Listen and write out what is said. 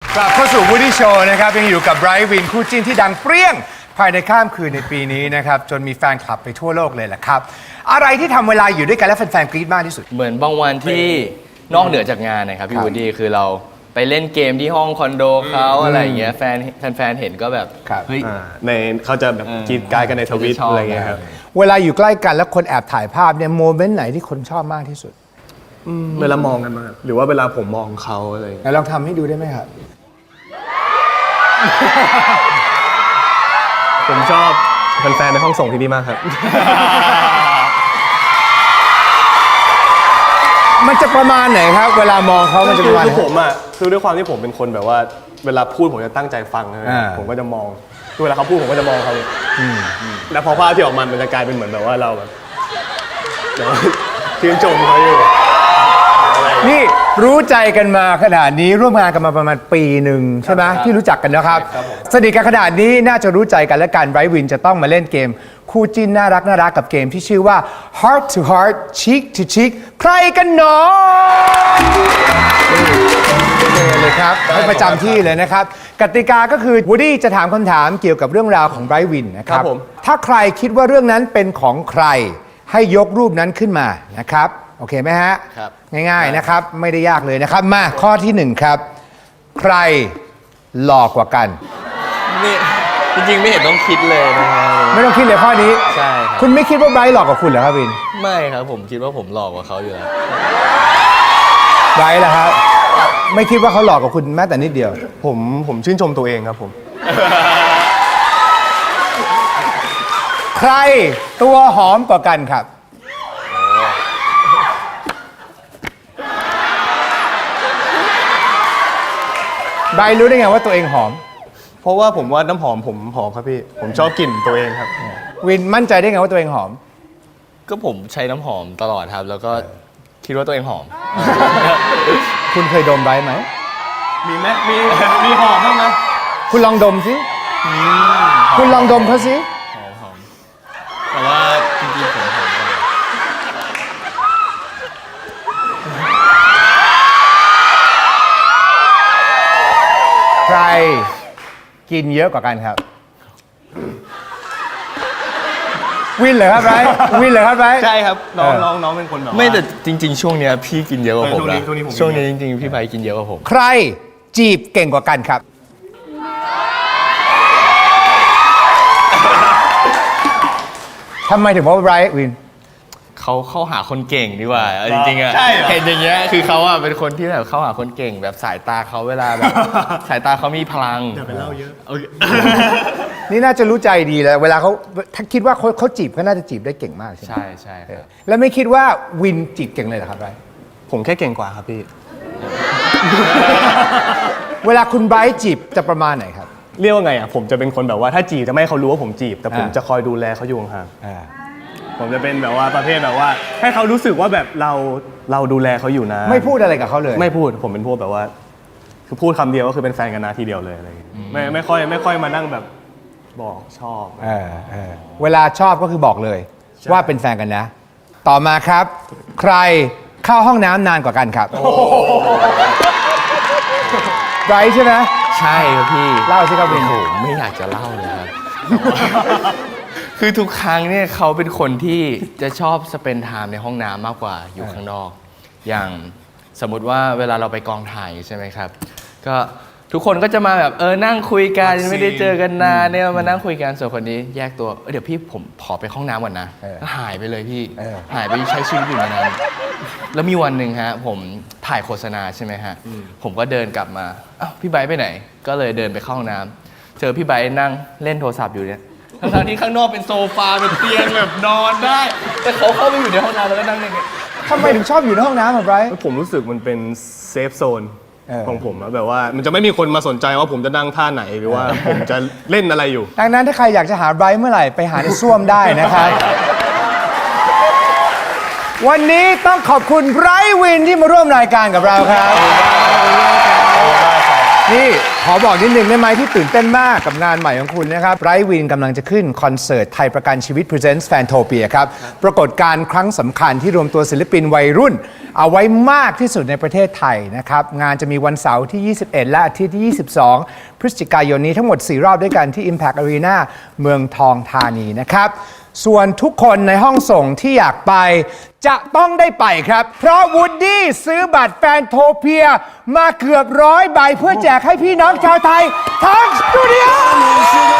กลับเข้าสู่ Woody Show นะครับยังอยู่กับไบรท์วินคู่จิ้นที่ดังเปรี้ยงภายในข้ามคืนในปีนี้นะครับจนมีแฟนคลับไปทั่วโลกเลยแหละครับอะไรที่ทำเวลาอยู่ด้วยกันแล้วแฟนๆกรี๊ดมากที่สุดเหมือนบางวันที่นอกเหนือจากงานนะครับพี่วูดดี้คือเราไปเล่นเกมที่ห้องคอนโดเขาอะไรอย่างเงี้ยแฟนเห็นก็แบบเฮ้ยในเขาจะแบบกรีดกายกันในทวิตอะไรเงี้ยครับเวลาอยู่ใกล้กันแล้วคนแอบถ่ายภาพเนี่ยโมเมนต์ไหนที่คนชอบมากที่สุดเวลามองกันมาหรือว่าเวลาผมมองเขาอะไรลองทำให้ดูได้ไหมครับผมชอบแฟนๆในห้องส่งที่นี่มากครับมันจะประมาณไหนครับเวลามองเขามันจะประมาณผมอ่ะคือด้วยความที่ผมเป็นคนแบบว่าเวลาพูดผมจะตั้งใจฟังนะผมก็จะมองเวลาเขาพูดผมก็จะมองเขาแล้วพอภาพที่ออกมามันจะกลายเป็นเหมือนแบบว่าเราแบบชื่นชมเขาอยู่นี่รู้ใจกันมาขนาดนี้ร่วมงานกันมาประมาณปีหนึ่งใช่ไหมที่รู้จักกันนะครับสนิทกันขนาดนี้น่าจะรู้ใจกันและกันไบรท์วินจะต้องมาเล่นเกมคู่จิ้นน่ารักกับเกมที่ชื่อว่า Heart to Heart Cheek to Cheek ใครกันหนอเลยครับให้ประจำที่เลยนะครับกติกาก็คือ Woody จะถามคำถามเกี่ยวกับเรื่องราวของไบรท์วินนะครับถ้าใครคิดว่าเรื่องนั้นเป็นของใครให้ยกรูปนั้นขึ้นมานะครับโอเคไหมฮะครับง่ายๆนะครับไม่ได้ยากเลยนะครับมาข้อที่1ครับใครหลอกกว่ากันนี่จริงๆไม่เห็นต้องคิดเลยนะครับไม่ต้องคิดเลยข้อนี้ใช่ครับคุณไม่คิดว่าไบรท์หลอกกว่าคุณเหรอครับวินไม่ครับผมคิดว่าผมหลอกกว่าเขาอยู่แล้วไบรท์ล่ะครับไม่คิดว่าเขาหลอกกว่าคุณแม้แต่นิดเดียวผมชื่นชมตัวเองครับผมใครตัวหอมกว่ากันครับไบรท์รู้ได้ไงว่าตัวเองหอมเพราะว่าผมว่าน้ำหอมผมหอมครับพี่ผมชอบกลิ่นตัวเองครับวินมั่นใจได้ไงว่าตัวเองหอมก็ผมใช้น้ำหอมตลอดครับแล้วก็คิดว่าตัวเองหอมคุณเคยดมไบรท์ไหมมีไหมมีหอมบ้างไหมคุณลองดมสิคุณลองดมเขาสิหอมแต่ว่าจริงๆผมหอมกว่าใครกินเยอะกว่ากันครับวินเหรอครับไบรท์วินเหรอครับไบรท์ใช่ครับน้องเป็นคนแบบไม่แต่จริงๆช่วงเนี้ยพี่กินเยอะกว่าผมนะช่วงนี้จริงๆพี่ไบรท์กินเยอะกว่าผมใครจีบเก่งกว่ากันครับทำไมถึงว่าไบรท์วินเขาเข้าหาคนเก่งดีกว่าจริงๆอะเห็นอย่างเงี้ยคือเขาอะเป็นคนที่แบบเข้าหาคนเก่งแบบสายตาเขาเวลาแบบสายตาเขามีพลังอย่าไปเล่าเยอะนี่น่าจะรู้ใจดีแล้วเวลาเขาถ้าคิดว่าเขาจีบก็น่าจะจีบได้เก่งมากใช่ไหมใช่ครับแล้วไม่คิดว่าวินจีบเก่งเลยเหรอครับไบรท์ผมแค่เก่งกว่าครับพี่เวลาคุณไบรท์จีบจะประมาณไหนครับเรียกว่าไงอ่ะผมจะเป็นคนแบบว่าถ้าจีบจะไม่ให้เขารู้ว่าผมจีบแต่ผมจะคอยดูแลเขาอยู่ห่างผมจะเป็นแบบว่าประเภทแบบว่าให้เขารู้สึกว่าแบบเราดูแลเขาอยู่นะไม่พูดอะไรกับเขาเลยไม่พูดผมเป็นพวกแบบว่าคือพูดคำเดียวก็คือเป็นแฟนกันนะทีเดียวเลยอะไรอย่างเงี้ยไม่ค่อยมานั่งแบบบอกชอบเวลาชอบก็คือบอกเลยว่าเป็นแฟนกันนะต่อมาครับใครเข้าห้องน้ำนานกว่ากันครับไบรท์ใช่ไหมใช่ครับพี่เล่าสิครับวินผมไม่อยากจะเล่าเลยครับคือทุกครั้งเนี่ยเขาเป็นคนที่จะชอบสเปนไทม์ในห้องน้ำมากกว่าอยู่ข้างนอกอย่างสมมุติว่าเวลาเราไปกองถ่ายใช่ไหมครับก็ทุกคนก็จะมาแบบนั่งคุยกันไม่ได้เจอกันนานเนี่ยมานั่งคุยกันส่วนคนนี้แยกตัวเดี๋ยวพี่ผมขอไปห้องน้ำก่อนนะหายไปเลยพี่หายไปใช้ชีวิตอยู่ในนั้นแล้วมีวันหนึ่งฮะผมถ่ายโฆษณาใช่ไหมฮะผมก็เดินกลับมาอ้าวพี่ไบร์ทไปไหนก็เลยเดินไปเข้าห้องน้ำเจอพี่ไบร์ทนั่งเล่นโทรศัพท์อยู่เนี่ยทั้งที่ข้างนอกเป็นโซฟาเป็นเตียงแบบนอนได้แต่เขาเข้าไปอยู่ในห้องน้ำแล้วก็นั่งอย่างเงี้ยทำไมถึงชอบอยู่ในห้องน้ำอ่ะไบรท์ผมรู้สึกมันเป็นเซฟโซนของผมอะแบบว่ามันจะไม่มีคนมาสนใจว่าผมจะนั่งท่าไหนหรือว่าผมจะเล่นอะไรอยู่ดังนั้นถ้าใครอยากจะหาไบรท์เมื่อไหร่ไปหาในส้วมได้นะครับวันนี้ต้องขอบคุณไบรท์วินที่มาร่วมรายการกับเราครับนี่ขอบอกนิดนึงได้ไหมที่ตื่นเต้นมากกับงานใหม่ของคุณนะครับไรวินกำลังจะขึ้นคอนเสิร์ตไทยประกันชีวิต Presents Fantopia ครับปรากฏการณ์ครั้งสำคัญที่รวมตัวศิลปินวัยรุ่น เอาไว้มากที่สุดในประเทศไทยนะครับงานจะมีวันเสาร์ที่ 21 และอาทิตย์ที่ 22 พฤศจิกายนนี้ทั้งหมด 4 รอบด้วยกันที่ Impact Arena เมืองทองธานีนะครับส่วนทุกคนในห้องส่งที่อยากไปจะต้องได้ไปครับเพราะวูดดี้ซื้อบัตรแฟนโทเปียมาเกือบ100 ใบเพื่อแจกให้พี่น้องชาวไทยทั้งสตูดิโอ